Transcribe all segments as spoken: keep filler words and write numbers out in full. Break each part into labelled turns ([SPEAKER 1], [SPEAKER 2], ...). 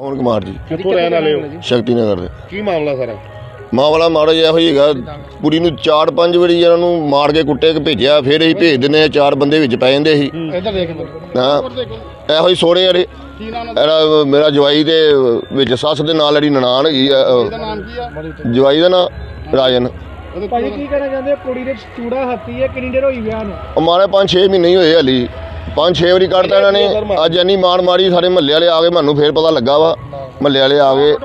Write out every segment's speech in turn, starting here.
[SPEAKER 1] ਪਵਨ ਕੁਮਾਰ ਜੀ
[SPEAKER 2] ਕਿੱਥੋਂ ਰਹਿਣ ਵਾਲੇ ਹੋ?
[SPEAKER 1] ਸ਼ਕਤੀ ਨਗਰ ਦੇ।
[SPEAKER 2] ਕੀ ਮਾਮਲਾ ਸਾਰਾ?
[SPEAKER 1] ਮਾਮਲਾ ਮਾੜਾ ਜਿਹਾ ਇਹੋ ਹੀ ਹੈਗਾ, ਕੁੜੀ ਨੂੰ ਚਾਰ ਪੰਜ ਵਾਰੀ ਇਹਨਾਂ ਨੂੰ ਮਾਰ ਕੇ ਕੁੱਟੇ ਕੇ ਭੇਜਿਆ, ਫਿਰ ਅਸੀਂ ਭੇਜ ਦਿੰਦੇ ਹਾਂ। ਚਾਰ ਬੰਦੇ ਵਿੱਚ ਪੈ ਜਾਂਦੇ ਸੀ। ਹਾਂ ਇਹੋ ਹੀ ਸੋਹਣੇ ਵਾਲੇ ਇਹਦਾ ਮੇਰਾ ਜਵਾਈ ਦੇ ਵਿੱਚ ਸੱਸ ਦੇ ਨਾਲ ਜਿਹੜੀ ਨਨਾਣ ਹੈਗੀ ਆ, ਜਵਾਈ ਦਾ ਨਾਂ ਰਾਜਨ।
[SPEAKER 3] ਭਾਜੀ ਕੀ ਕਹਿਣਾ ਚਾਹੁੰਦੇ? ਕੁੜੀ ਦੇ ਚੂੜਾ ਹੱਤੀ ਹੈ, ਕਿੰਨੀ ਦੇਰ ਹੋਈ ਵਿਆਹ ਨੂੰ?
[SPEAKER 1] ਮਾਰੇ ਪੰਜ ਛੇ ਮਹੀਨੇ ਹੀ ਹੋਏ ਹਾਲੀ, ਪੰਜ ਛੇ ਵਾਰੀ ਕੱਢਤਾ ਇਹਨਾਂ ਨੇ। ਅੱਜ ਇੰਨੀ ਮਾਰ ਮਾਰੀ, ਸਾਰੇ ਮਹੱਲੇ ਵਾਲੇ ਆ ਗਏ, ਮੈਨੂੰ ਫਿਰ ਪਤਾ ਲੱਗਾ ਵਾ। ਮਹੱਲੇ ਵਾਲੇ ਆ ਗਏ।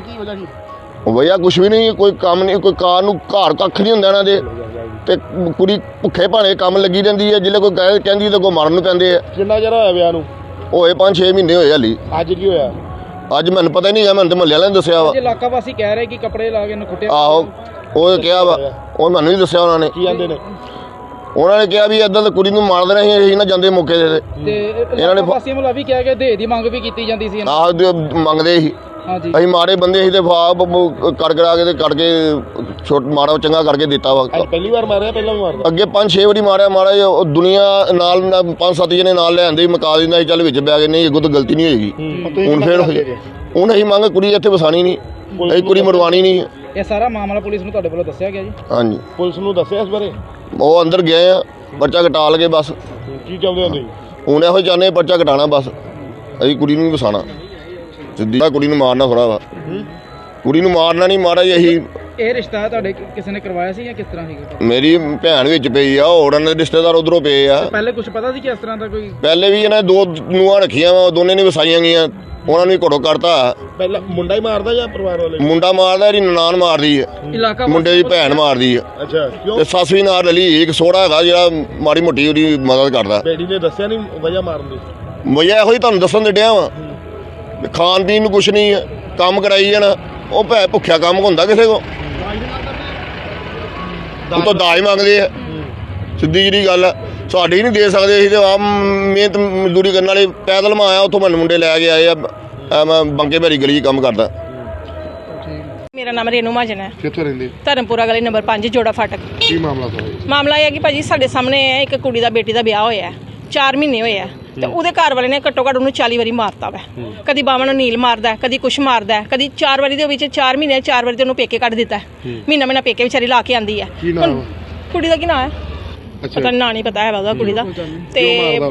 [SPEAKER 1] ਵਜ੍ਹਾ ਕੁਛ ਵੀ ਨਹੀਂ, ਕੋਈ ਕੰਮ ਨਹੀਂ, ਕੋਈ ਕਾਰ ਨੂੰ ਘਰ ਕੱਖ ਨਹੀਂ ਹੁੰਦਾ ਇਹਨਾਂ ਦੇ। ਤੇ ਕੁੜੀ ਭੁੱਖੇ ਭਾਣੇ ਕੰਮ ਲੱਗੀ ਰਹਿੰਦੀ ਹੈ, ਜਿੱਲੇ ਕੋਈ ਕਹਿ ਕਹਿੰਦੀ ਤਾਂ ਕੋਈ ਮਾਰਨ ਨੂੰ ਪੈਂਦੇ ਆ।
[SPEAKER 2] ਕਿੰਨਾ ਚਿਰ ਹੋਇਆ ਵਿਆਹ ਨੂੰ?
[SPEAKER 1] ਹੋਏ ਪੰਜ ਛੇ ਮਹੀਨੇ ਹੋਏ ਹਾਲੀ।
[SPEAKER 2] ਅੱਜ ਕੀ ਹੋਇਆ?
[SPEAKER 1] ਅੱਜ ਮੈਨੂੰ ਪਤਾ ਹੀ ਨਹੀਂ ਹੈ, ਮੈਨੂੰ ਤਾਂ ਮਹੱਲੇ ਵਾਲਿਆਂ ਨੇ ਦੱਸਿਆ ਵਾ।
[SPEAKER 3] ਇਲਾਕਾ ਵਾਸੀ ਕਹਿ ਰਹੇ ਕਿ ਕੱਪੜੇ ਲਾ ਕੇ ਇਹਨੂੰ ਕੁੱਟਿਆ।
[SPEAKER 1] ਆਹੋ ਉਹ ਕਿਹਾ ਵਾ, ਉਹ ਮੈਨੂੰ ਨਹੀਂ ਦੱਸਿਆ ਉਹਨਾਂ ਨੇ।
[SPEAKER 2] ਕੀ ਕਹਿੰਦੇ ਨੇ?
[SPEAKER 1] ਉਹਨਾਂ ਨੇ ਕਿਹਾ ਵੀ ਏਦਾਂ ਤਾਂ ਕੁੜੀ ਨੂੰ ਮਾਰ ਦੇਣਾ ਸੀ, ਅਸੀਂ ਨਾ ਜਾਂਦੇ ਮੌਕੇ ਦੇ।
[SPEAKER 3] ਤੇ ਇਹਨਾਂ ਨੇ ਵਾਸੀਆਂ ਵੱਲੋਂ ਵੀ ਕਿਹਾ ਕਿ ਦੇ ਦੀ ਮੰਗ ਵੀ ਕੀਤੀ ਜਾਂਦੀ ਸੀ।
[SPEAKER 1] ਆਹ ਮੰਗਦੇ ਸੀ,
[SPEAKER 3] ਹਾਂਜੀ
[SPEAKER 1] ਅਸੀਂ ਮਾੜੇ ਬੰਦੇ ਸੀ ਤੇ ਫਾਪ ਕਰ ਕਰਾ ਕੇ ਤੇ ਕੱਢ ਕੇ ਛੋਟ ਮਾੜਾ ਚੰਗਾ ਕਰਕੇ ਦਿੱਤਾ ਵਾ।
[SPEAKER 2] ਪਹਿਲੀ ਵਾਰ ਮਾਰਿਆ? ਪਹਿਲਾਂ ਵੀ ਮਾਰਿਆ? ਅੱਗੇ
[SPEAKER 1] ਪੰਜ ਛੇ ਵਾਰੀ ਮਾਰਿਆ ਮਾੜਾ ਜਿਹਾ। ਉਹ ਦੁਨੀਆ ਨਾਲ ਪੰਜ ਸੱਤ ਜਣੇ ਨਾਲ ਲੈ ਆਂਦੇ ਮਕਾ ਦਿੰਦਾ ਸੀ, ਚੱਲ ਵਿੱਚ ਬੈ ਗਏ, ਨਹੀਂ ਅੱਗੋਂ ਤਾਂ ਗਲਤੀ ਨਹੀਂ ਹੋਏਗੀ। ਹੁਣ ਫਿਰ ਹੁਣ ਅਸੀਂ ਮੰਗ ਕੁੜੀ ਇੱਥੇ ਵਸਾਣੀ ਨਹੀਂ, ਅਸੀਂ ਕੁੜੀ ਮਰਵਾਣੀ ਨਹੀਂ।
[SPEAKER 3] ਇਹ ਸਾਰਾ ਮਾਮਲਾ ਪੁਲਿਸ ਨੂੰ ਤੁਹਾਡੇ ਵੱਲੋਂ ਦੱਸਿਆ ਗਿਆ ਜੀ?
[SPEAKER 1] ਹਾਂਜੀ
[SPEAKER 2] ਪੁਲਿਸ ਨੂੰ ਦੱਸਿਆ ਇਸ ਬਾਰੇ?
[SPEAKER 1] ਉਹ ਅੰਦਰ ਗਏ ਆ, ਪਰਚਾ ਕਟਾ ਲਗੇ ਬਸ।
[SPEAKER 2] ਕੀ ਚਾਹੁੰਦੇ ਹੋ ਤੁਸੀਂ?
[SPEAKER 1] ਹੁਣ ਇਹੋ ਚਾਹੁੰਦੇ ਪਰਚਾ ਕਟਾਣਾ ਬਸ, ਅਸੀਂ ਕੁੜੀ ਨੂੰ ਵੀ ਵਸਾਣਾ। ਸਿੱਧੀ ਕੁੜੀ ਨੂੰ ਮਾਰਨਾ ਥੋੜਾ ਵਾ, ਕੁੜੀ ਨੂੰ ਮਾਰਨਾ ਨਹੀਂ, ਮਾਰਾ ਜੀ ਅਸੀਂ।
[SPEAKER 3] ਇਹ ਰਿਸ਼ਤਾ ਤੁਹਾਡੇ ਕਿਸੇ ਨੇ ਕਰਵਾਇਆ ਸੀ ਜਾਂ ਕਿਸ ਤਰ੍ਹਾਂ ਸੀਗਾ?
[SPEAKER 1] ਮੇਰੀ ਭੈਣ ਵਿੱਚ ਪਈ ਆ, ਹੋਰ ਇਹਨਾਂ ਦੇ ਰਿਸ਼ਤੇਦਾਰ ਉਧਰੋਂ ਪਏ ਆ।
[SPEAKER 3] ਪਹਿਲੇ ਕੁਝ ਪਤਾ ਸੀ ਕਿ ਇਸ ਤਰ੍ਹਾਂ ਦਾ ਕੋਈ?
[SPEAKER 1] ਪਹਿਲੇ ਵੀ ਇਹਨਾਂ ਦੋ ਨੂੰਹਾਂ ਰੱਖੀਆਂ ਵਾ, ਦੋਨੇ ਨੇ ਵਸਾਈਆਂ ਗਈਆਂ, ਉਹਨਾਂ ਨੂੰ ਘੜੋ ਕਰਤਾ।
[SPEAKER 2] ਪਹਿਲਾਂ ਮੁੰਡਾ ਹੀ ਮਾਰਦਾ ਜਾਂ ਪਰਿਵਾਰ ਵਾਲੇ?
[SPEAKER 1] ਮੁੰਡਾ ਮਾਰਦਾ, ਇਹਦੀ ਨਨਾਣ ਮਾਰਦੀ ਆ,
[SPEAKER 3] ਇਲਾਕਾ
[SPEAKER 1] ਮੁੰਡੇ ਦੀ ਭੈਣ ਮਾਰਦੀ ਆ।
[SPEAKER 2] ਅੱਛਾ ਕਿਉਂ?
[SPEAKER 1] ਤੇ ਸੱਸ ਵੀ ਨਾਲ ਰਲੀ। ਇੱਕ ਸੋਹਣਾ ਹੈਗਾ ਜਿਹੜਾ ਮਾੜੀ ਮੋਟੀ ਉਹਦੀ ਮਦਦ ਕਰਦਾ।
[SPEAKER 2] ਬੇੜੀ ਨੇ ਦੱਸਿਆ ਨਹੀਂ ਵਜ੍ਹਾ ਮਾਰਨ ਦੀ?
[SPEAKER 1] ਵਜ੍ਹਾ ਇਹੋ ਹੀ ਤੁਹਾਨੂੰ ਦੱਸਣ ਦੇ ਡਿਆ ਵਾ, ਖਾਣ ਪੀਣ ਨੂੰ ਕੁਛ ਨਹੀਂ ਹੈ, ਕੰਮ ਕਰਾਈ ਜਾਣਾ। ਉਹ ਭੈ ਭੁੱਖਿਆ ਕੰਮ ਹੁੰਦਾ ਕਿਸੇ ਕੋ, ਉਹ ਤਾਂ ਦਾਜ ਮੰਗਦੇ ਆ। ਸਿੱਧੀ ਜਿਹੜੀ ਗੱਲ ਆ, ਸਾਡੇ ਹੀ ਨਹੀਂ ਦੇ ਸਕਦੇ। ਅਸੀਂ ਤਾਂ ਆਪ ਮਿਹਨਤ ਮਜ਼ਦੂਰੀ ਕਰਨ ਵਾਲੇ। ਪੈਦਲ ਮੈਂ ਆਇਆ, ਉੱਥੋਂ ਮੈਨੂੰ ਮੁੰਡੇ ਲੈ ਕੇ ਆਏ ਆ। ਮੈਂ ਬੰਕੇ ਭੈਰੀ ਗਲੀ 'ਚ ਕੰਮ ਕਰਦਾ।
[SPEAKER 4] ਮੇਰਾ ਨਾਮ ਰੇਨੂ ਮਹਾਜਨ ਹੈ।
[SPEAKER 2] ਕਿੱਥੋਂ ਰਹਿੰਦੇ?
[SPEAKER 4] ਧਰਮਪੁਰਾ ਗਲੀ ਨੰਬਰ ਪੰਜ ਜੋੜਾ ਫਾਟਕ।
[SPEAKER 2] ਕੀ ਮਾਮਲਾ ਸਾਰਾ?
[SPEAKER 4] ਮਾਮਲਾ ਇਹ ਹੈ ਕਿ ਭਾਜੀ ਸਾਡੇ ਸਾਹਮਣੇ ਇੱਕ ਕੁੜੀ ਦਾ ਬੇਟੀ ਦਾ ਵਿਆਹ ਹੋਇਆ ਹੈ, ਚਾਰ ਮਹੀਨੇ ਹੋਏ ਆ, ਤੇ ਉਹਦੇ ਘਰ ਵਾਲੇ ਨੇ ਘੱਟੋ ਘੱਟ ਉਹਨੂੰ ਚਾਲੀ ਵਾਰੀ ਮਾਰਤਾ ਵਾ। ਕਦੀ ਬਾਵਾਂ ਨੂੰ ਨੀਲ ਮਾਰਦਾ, ਕਦੀ ਕੁਛ ਮਾਰਦਾ, ਕਦੀ ਚਾਰ ਵਾਰੀ ਦੇ ਵਿੱਚ ਚਾਰ ਮਹੀਨੇ ਚਾਰ ਵਾਰੀ ਤੇ ਉਹਨੂੰ ਪੇਕੇ ਕੱਢ ਦਿੱਤਾ। ਮਹੀਨਾ ਮਹੀਨਾ ਪੇਕੇ ਵਿਚਾਰੀ ਲਾ ਕੇ ਆਂਦੀ ਹੈ। ਕੁੜੀ ਦਾ ਕੀ ਨਾਂ ਹੈ? ਪਤਾ ਨਾਂ ਨਹੀਂ ਪਤਾ ਹੈ ਉਹਦਾ ਕੁੜੀ ਦਾ। ਤੇ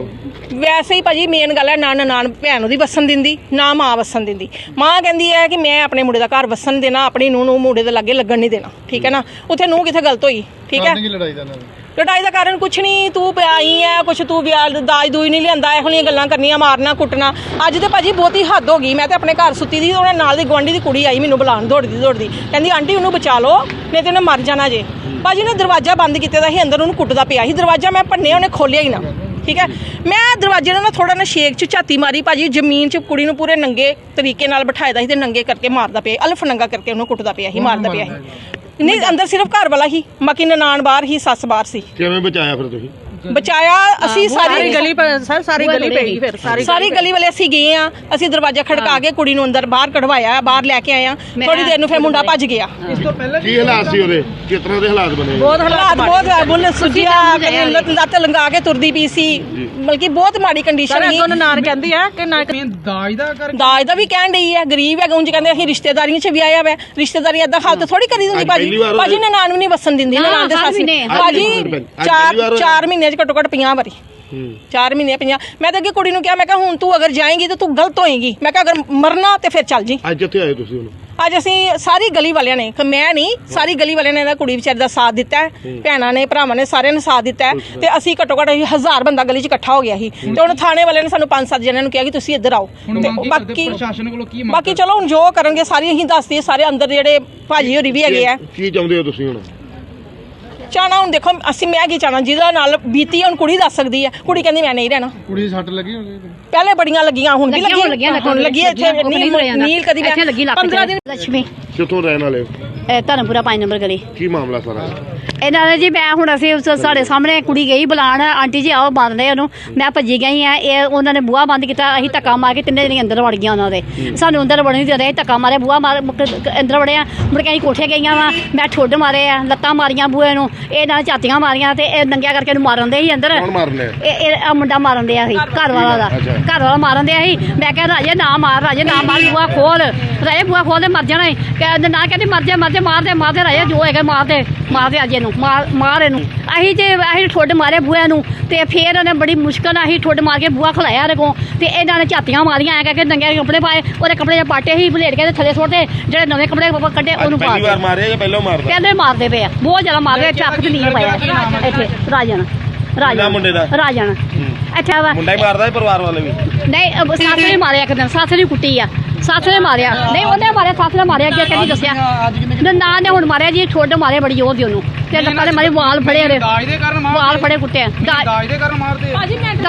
[SPEAKER 4] ਵੈਸੇ ਹੀ ਭਾਜੀ ਮੇਨ ਗੱਲ ਹੈ, ਨਾ ਨਨਾਣ ਭੈਣ ਉਹਦੀ ਵਸਣ ਦਿੰਦੀ, ਨਾ ਮਾਂ ਵਸਣ ਦਿੰਦੀ। ਮਾਂ ਕਹਿੰਦੀ ਹੈ ਕਿ ਮੈਂ ਆਪਣੇ ਮੁੰਡੇ ਦਾ ਘਰ ਵਸਣ ਦੇਣਾ, ਆਪਣੀ ਨੂੰਹ ਨੂੰ ਮੁੰਡੇ ਦੇ ਲਾਗੇ ਲੱਗਣ ਨਹੀਂ ਦੇਣਾ। ਠੀਕ ਹੈ ਨਾ? ਉੱਥੇ ਨੂੰਹ ਕਿੱਥੇ ਗਲਤ ਹੋਈ? ਠੀਕ ਹੈ, ਲੜਾਈ ਦਾ ਕਾਰਨ ਕੁਛ ਨਹੀਂ, ਤੂੰ ਪਿਆਈ ਹੈ ਕੁਛ, ਤੂੰ ਵਿਆਹ ਦਾਜ ਦੂਜ ਨਹੀਂ ਲਿਆਂਦਾ, ਇਹੋ ਜਿਹੀਆਂ ਗੱਲਾਂ ਕਰਨੀਆਂ, ਮਾਰਨਾ ਕੁੱਟਣਾ। ਅੱਜ ਤੇ ਭਾਜੀ ਬਹੁਤੀ ਹੱਦ ਹੋ ਗਈ। ਮੈਂ ਤੇ ਆਪਣੇ ਘਰ ਸੁੱਤੀ ਦੀ, ਉਹਨਾਂ ਨਾਲ ਦੀ ਗੁਆਂਢੀ ਦੀ ਕੁੜੀ ਆਈ ਮੈਨੂੰ ਬੁਲਾਉਣ, ਦੌੜਦੀ ਦੌੜਦੀ, ਕਹਿੰਦੀ ਆਂਟੀ ਉਹਨੂੰ ਬਚਾ ਲਓ ਨਹੀਂ ਤੇ ਉਹਨੇ ਮਰ ਜਾਣਾ ਜੇ। ਭਾਜੀ ਨੇ ਦਰਵਾਜ਼ਾ ਬੰਦ ਕੀਤੇ ਦਾ ਸੀ, ਅੰਦਰ ਉਹਨੂੰ ਕੁੱਟਦਾ ਪਿਆ ਸੀ। ਦਰਵਾਜ਼ਾ ਮੈਂ ਭੰਨਿਆ, ਉਹਨੇ ਖੋਲਿਆ ਹੀ ਨਾ। ਠੀਕ ਹੈ, ਮੈਂ ਦਰਵਾਜ਼ੇ ਨਾਲ ਥੋੜਾ ਨਾ ਸ਼ੇਕ ਚ ਝਾਤੀ ਮਾਰੀ ਭਾਜੀ, ਜ਼ਮੀਨ 'ਚ ਕੁੜੀ ਨੂੰ ਪੂਰੇ ਨੰਗੇ ਤਰੀਕੇ ਨਾਲ ਬਿਠਾਇਆ ਦਾ ਸੀ ਤੇ ਨੰਗੇ ਕਰਕੇ ਮਾਰਦਾ ਪਿਆ, ਅਲਫ ਨੰਗਾ ਕਰਕੇ ਉਹਨੂੰ ਕੁੱਟਦਾ ਪਿਆ ਸੀ, ਮਾਰਦਾ ਪਿਆ ਸੀ। ਨਹੀਂ ਅੰਦਰ ਸਿਰਫ ਘਰ ਵਾਲਾ ਹੀ, ਬਾਕੀ ਨਨਾਣ ਬਾਹਰ ਹੀ, ਸੱਸ ਬਾਹਰ ਸੀ।
[SPEAKER 2] ਕਿਵੇਂ ਬਚਾਇਆ ਫਿਰ ਤੁਸੀਂ?
[SPEAKER 4] ਬਚਾਇਆ ਅਸੀਂ ਸਾਰੀ ਗਲੀ
[SPEAKER 5] ਸਰ ਸਾਰੀ ਗਲੀ ਪਈ ਫਿਰ ਸਾਰੀ
[SPEAKER 4] ਸਾਰੀ ਗਲੀ ਵਾਲੇ ਅਸੀਂ ਗਏ ਆ, ਅਸੀਂ ਦਰਵਾਜ਼ਾ ਖੜਕਾ ਕੇ ਕੁੜੀ ਨੂੰ ਅੰਦਰ ਬਾਹਰ ਕਢਵਾਇਆ, ਬਾਹਰ ਲੈ ਕੇ ਆਏ ਆ। ਥੋੜੀ ਦੇਰ ਨੂੰ ਫਿਰ ਮੁੰਡਾ ਭੱਜ ਗਿਆ।
[SPEAKER 3] ਇਸ ਤੋਂ ਪਹਿਲਾਂ
[SPEAKER 2] ਕੀ ਹਾਲਾਤ ਸੀ ਉਹਦੇ? ਕਿਸ ਤਰ੍ਹਾਂ ਦੇ ਹਾਲਾਤ ਬਣੇ?
[SPEAKER 4] ਬਹੁਤ ਹਾਲਾਤ ਬਹੁਤ ਬੁੱਲ ਸੁਜਿਆ, ਲੱਤ ਲੰਗਾ ਕੇ ਤੁਰਦੀ ਪਈ ਸੀ, ਬਲਕਿ ਬਹੁਤ ਮਾੜੀ ਕੰਡੀਸ਼ਨ ਸੀ।
[SPEAKER 5] ਨਾਨ ਕਹਿੰਦੀ ਆ ਕਿ ਨਾ
[SPEAKER 3] ਦਾਜ ਦਾ ਕਰ
[SPEAKER 4] ਦਾਜ ਦਾ ਵੀ ਕਹਿਣ ਡਈ ਹੈ, ਗਰੀਬ ਹੈ ਉਂਝ ਕਹਿੰਦੇ ਅਸੀਂ ਰਿਸ਼ਤੇਦਾਰੀਆਂ 'ਚ ਵੀ ਆਇਆ ਵਾ। ਰਿਸ਼ਤੇਦਾਰੀ ਏਦਾਂ ਹਾਲਤ ਥੋੜੀ ਕਰੀ ਦਿੰਦੀ ਭਾਜੀ। ਭਾਜੀ ਨੇ ਨਾਨ ਵੀ ਨਹੀਂ ਵਸਣ ਦਿੰਦੀ, ਨਨਾਣ ਦੇ ਸਾਸੀ ਭਾਜੀ ਚਾਰ ਚਾਰ ਮਹੀਨਿਆਂ 'ਚ ਘੱਟੋ ਘੱਟ ਪੰਜਾਹ ਵਾਰੀ, ਚਾਰ ਮਹੀਨੇ ਪੰਜਾਹ। ਮੈਂ ਤਾਂ ਅੱਗੇ ਕੁੜੀ ਨੂੰ ਕਿਹਾ, ਮੈਂ ਕਿਹਾ ਹੁਣ ਤੂੰ ਅਗਰ ਜਾਏਂਗੀ ਤਾਂ ਤੂੰ ਗਲਤ ਹੋਏਗੀ। ਮੈਂ ਕਿਹਾ ਅਗਰ ਮਰਨਾ ਤੇ ਫਿਰ ਚੱਲ ਜੀ।
[SPEAKER 2] ਅੱਜ ਕਿੱਥੇ ਆਏ ਤੁਸੀਂ ਹੁਣ?
[SPEAKER 4] ਅੱਜ ਅਸੀਂ ਸਾਰੀ ਗਲੀ ਵਾਲਿਆਂ ਨੇ, ਮੈਂ ਨਹੀਂ ਸਾਰੀ ਗਲੀ ਵਾਲਿਆਂ ਨੇ ਇਹਦਾ ਕੁੜੀ ਵਿਚਾਰੀ ਦਾ ਸਾਥ ਦਿੱਤਾ ਹੈ, ਭੈਣਾਂ ਨੇ ਭਰਾਵਾਂ ਨੇ ਸਾਰਿਆਂ ਨੇ ਸਾਥ ਦਿੱਤਾ ਹੈ। ਤੇ ਅਸੀਂ ਘੱਟੋ ਘੱਟ ਹਜ਼ਾਰ ਬੰਦਾ ਗਲੀ 'ਚ ਇਕੱਠਾ ਹੋ ਗਿਆ ਸੀ। ਤੇ ਹੁਣ ਥਾਣੇ ਵਾਲਿਆਂ ਨੇ ਸਾਨੂੰ ਪੰਜ ਸੱਤ ਜਣਿਆਂ ਨੂੰ ਕਿਹਾ ਕਿ ਤੁਸੀਂ ਇੱਧਰ ਆਓ। ਤੇ ਬਾਕੀ
[SPEAKER 3] ਪ੍ਰਸ਼ਾਸਨ ਕੋਲੋਂ ਕੀ
[SPEAKER 4] ਬਾਕੀ ਚਲੋ ਹੁਣ ਜੋ ਕਰਨਗੇ ਸਾਰੀ ਅਸੀਂ ਦੱਸਦੇ, ਸਾਰੇ ਅੰਦਰ ਜਿਹੜੇ ਭਾਜੀ ਹੋਰੀ ਵੀ ਹੈਗੇ ਆ।
[SPEAKER 2] ਕੀ ਚਾਹੁੰਦੇ ਹੋ ਤੁਸੀਂ ਹੁਣ?
[SPEAKER 4] ਚਾਹਣਾ ਹੁਣ ਦੇਖੋ ਅਸੀਂ ਮੈਂ ਕੀ ਚਾਹਣਾ, ਜਿਹਦਾ ਨਾਲ ਬੀਤੀ ਹੁਣ ਕੁੜੀ ਦੱਸ ਸਕਦੀ ਹੈ। ਕੁੜੀ ਕਹਿੰਦੀ ਮੈਂ ਨਹੀਂ ਰਹਿਣਾ।
[SPEAKER 3] ਕੁੜੀ ਦੀ ਸੱਟ ਲੱਗੀ ਹੋਣੀ?
[SPEAKER 4] ਪਹਿਲੇ ਬੜੀਆਂ ਲੱਗੀਆਂ, ਹੁਣ ਵੀ ਲੱਗੀਆਂ, ਹੁਣ ਲੱਗੀ ਇੱਥੇ ਨੀਲ ਨੀਲ ਕਦੀ ਪੰਦਰਾਂ ਦਿਨ।
[SPEAKER 5] ਲక్ష్ਮੀ
[SPEAKER 2] ਕਿੱਥੋਂ ਰਹਿਣ ਵਾਲੇ ਹੋ?
[SPEAKER 5] ਧਰਮਪੁਰਾ ਪੰਜ ਨੰਬਰ ਗਲੀ।
[SPEAKER 2] ਕੀ ਮਾਮਲਾ ਸਾਰਾ?
[SPEAKER 6] ਇਹਨਾਂ ਨੇ ਜੀ ਮੈਂ ਹੁਣ ਅਸੀਂ ਉਸ- ਸਾਡੇ ਸਾਹਮਣੇ ਕੁੜੀ ਗਈ ਬੁਲਾਉਣ ਆਂਟੀ ਜੀ ਆਓ ਬੰਦ ਰਹੇ ਉਹਨੂੰ ਮੈਂ ਭੱਜੀ ਗਈ ਆ ਇਹ ਉਹਨਾਂ ਨੇ ਬੂਹਾ ਬੰਦ ਕੀਤਾ ਅਸੀਂ ਧੱਕਾ ਮਾਰ ਕੇ ਤਿੰਨੇ ਜਣੇ ਅੰਦਰ ਵੜ ਗਈਆਂ ਉਹਨਾਂ ਦੇ ਸਾਨੂੰ ਅੰਦਰ ਵੜਨ ਨਹੀਂ ਦੇ ਰਹੇ ਧੱਕਾ ਮਾਰੇ ਬੂਹਾ ਮਾਰ ਮੁੜ ਕੇ ਅੰਦਰ ਵੜਿਆ ਮੁੜ ਕੇ ਅਸੀਂ ਕੋਠੇ ਗਈਆਂ ਵਾ ਮੈਂ ਠੁੱਡ ਮਾਰੇ ਆ ਲੱਤਾਂ ਮਾਰੀਆਂ ਬੂਹੇ ਨੂੰ ਇਹ ਨਾਲ ਝਾਤੀਆਂ ਮਾਰੀਆਂ ਤੇ ਇਹ ਨੰਗਿਆ ਕਰਕੇ ਇਹਨੂੰ ਮਾਰਨ ਦੇ ਸੀ ਅੰਦਰ
[SPEAKER 2] ਕੌਣ ਮਾਰ ਲਿਆ
[SPEAKER 6] ਇਹ ਇਹ ਆਹ ਮੁੰਡਾ ਮਾਰਨ ਦਿਆ ਸੀ ਘਰ ਵਾਲਾ ਦਾ
[SPEAKER 2] ਅੱਛਾ।
[SPEAKER 6] ਘਰ ਵਾਲਾ ਮਾਰਨ ਦਿਆ ਸੀ ਮੈਂ ਕਿਹਾ ਰਾਜੇ ਨਾ ਮਾਰ ਰਾਜੇ ਨਾ ਮਾਰ ਬੂਹਾ ਖੋਲ ਰਾਜੇ ਬੂਹਾ ਖੋਲ ਤੇ ਮਰ ਜਾਣਾ ਈ। ਕਹਿੰਦੇ ਨਾ ਕਹਿੰਦੀ ਮਰ ਜਾ ਮਰ ਜਾ ਮਾਰ ਦੇ ਮਾਰ ਦੇ ਰਾਜੇ ਜੋ ਹੈਗਾ ਮਾਰ ਦੇ ਮਾਰ ਦੇ ਅਜੇ ਨੂੰ ਮਾਰ ਮਾਰ ਇਹਨੂੰ ਅਸੀਂ ਜੇ ਅਸੀਂ ਠੁੱਡ ਮਾਰੇ ਬੂਹੇ ਨੂੰ ਤੇ ਫੇਰ ਉਹਨੇ ਬੜੀ ਮੁਸ਼ਕਲ ਨਾਲ ਅਸੀਂ ਠੁੱਡ ਮਾਰ ਕੇ ਬੂਹਾ ਖਲਾਇਆ ਇਹਦੇ ਕੋਲ ਤੇ ਇਹਨਾਂ ਨੇ ਝਾਤੀਆਂ ਮਾਰੀਆਂ ਐ ਕਰਕੇ ਨੰਗੇ ਕੱਪੜੇ ਪਾਏ ਉਹਦੇ ਕੱਪੜੇ ਜੇ ਪਾਟੇ ਸੀ ਬਲੇਡ ਕੇ ਤੇ ਥੱਲੇ ਸੁੱਟਦੇ ਜਿਹੜੇ ਨਵੇਂ ਕੱਪੜੇ ਪਾਪਾ ਕੱਢੇ ਉਹਨੂੰ ਪਾ
[SPEAKER 2] ਪਹਿਲੀ ਵਾਰ
[SPEAKER 6] ਦਿੱਤੇ
[SPEAKER 2] ਮਾਰਿਆ ਜਾਂ ਪਹਿਲਾਂ ਮਾਰਦਾ
[SPEAKER 6] ਕਹਿੰਦੇ ਮਾਰਦੇ ਪਏ ਆ ਬਹੁਤ ਜ਼ਿਆਦਾ ਮਾਰਦੇ ਚੱਕ ਤੇ ਨੀਲ ਪਾਇਆ ਇੱਥੇ ਰਾਜਨ ਰਾਜਨ
[SPEAKER 2] ਮੁੰਡੇ ਦਾ?
[SPEAKER 6] ਰਾਜਨ ਅੱਛਾ ਵਾ
[SPEAKER 2] ਮੁੰਡਾ ਹੀ ਮਾਰਦਾ ਹੈ ਪਰਿਵਾਰ ਵਾਲੇ ਵੀ
[SPEAKER 6] ਨਹੀਂ ਅਹ ਸੱਸ ਨੇ ਮਾਰਿਆ ਇੱਕ ਦਿਨ ਸੱਸ ਨੇ ਕੁੱਟੀ ਆ ਸੱਸ ਨੇ ਮਾਰਿਆ ਨਹੀਂ ਉਹਨੇ ਮਾਰਿਆ ਸੱਸ ਨੇ ਮਾਰਿਆ ਅੱਗੇ ਕਹਿੰਦੀ ਦੱਸਿਆ ਨਾ ਨੇ ਹੁਣ ਮਾਰਿਆ ਜੀ ਠੋਡ ਮਾਰੇ ਬੜੀ ਜ਼ੋਰ ਦੀ ਉਹਨੂੰ ਤੇ ਲੱਕਾਂ ਦੇ ਮਾਰੇ ਵਾਲ ਫੜੇ ਉਹਦੇ
[SPEAKER 3] ਦਾਜ ਦੇ ਕਾਰਨ
[SPEAKER 6] ਵਾਲ ਫੜੇ ਕੁੱਟੇ
[SPEAKER 3] ਦਾਜ ਦੇ ਕਾਰਨ ਮਾਰਦੇ
[SPEAKER 6] ਦਾਜ